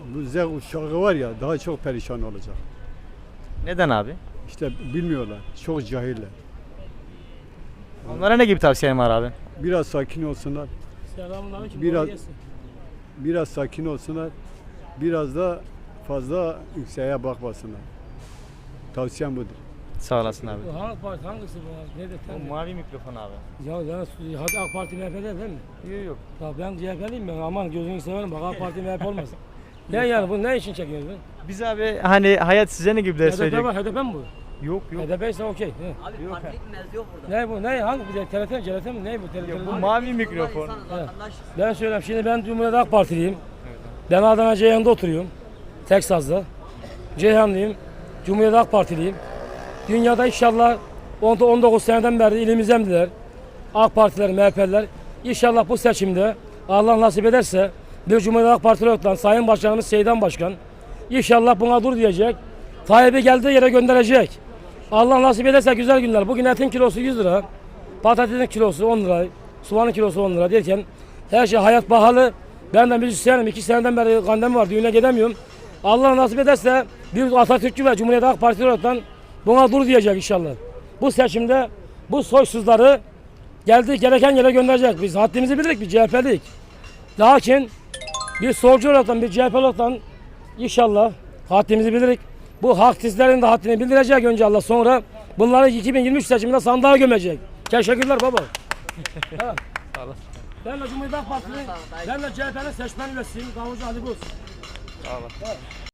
Bu Z kuşağı var ya daha çok perişan olacak. Neden abi? İşte bilmiyorlar. Çok cahiller. Onlara ne gibi tavsiyen var abi? Biraz sakin olsunlar. Selamünaleyküm. Biraz sakin olsunlar. Biraz da fazla yükseğe bakmasınlar. Tavsiyem budur. Sağ olasın abi. Hangi parti hangisi bu? Nerede O sen? mavi mikrofon abi. Ya hadi AK Parti MHP'de değil mi? Yok yok. Ya ben CHP'liyim ben. Aman gözünü severim bak AK Parti MHP olmaz. Ne yani bu ne için çekiyorsun? Biz abi hani hayat size ne gibi ders HDP verecek? var, HDP mi bu? Yok yok. HDP ise okey. He. Abi Yok partilik mevzu yok burada. Ne bu? Ne? Hangi bir TRT mi? CRT mi? Ne bu? TRT Bu mi? mavi mikrofon. İnsanız, vatandaşız. Ben söyleyeyim. Şimdi ben Cumhuriyet Halk Partiliyim. Ben Adana Ceyhan'da oturuyorum. Teksas'da. Ceyhanlıyım. Cumhuriyet Halk Partiliyim. Dünyada inşallah 19 seneden beri ilimizdendiler. AK Partiler, MHP'ler. İnşallah bu seçimde Allah nasip ederse bir Cumhuriyet Halk Partili olan Sayın Başkanımız Seydan Başkan inşallah buna dur diyecek. Tayyip'i geldiği yere gönderecek. Allah nasip ederse güzel günler. Bugün etin kilosu 100 lira. Patatesin kilosu 10 lira. Soğanın kilosu 10 lira derken her şey hayat pahalı. Ben de müzisyenim. 2 seneden beri kandem var. Düğüne gidemiyorum. Allah nasip ederse bir Atatürkçü ve Cumhuriyet Halk Partili olarak buna dur diyecek inşallah. Bu seçimde bu soysuzları geldiği gereken yere gönderecek. Biz haddimizi bildik, bir CHP'lik. Lakin bir solcu olarak bir CHP olarak inşallah haddimizi bilirik. Bu haksizlerin de haddini bildirecek önce Allah, sonra bunları 2023 seçiminde sandığa gömecek. Teşekkürler baba. Evet. Sağ olasın. Ben de Cumhuriyet Halk Partisi'nin, ben de CHP'nin seçmen üyesiyim. Davulcu Ali Buz. Sağ olasın. Evet.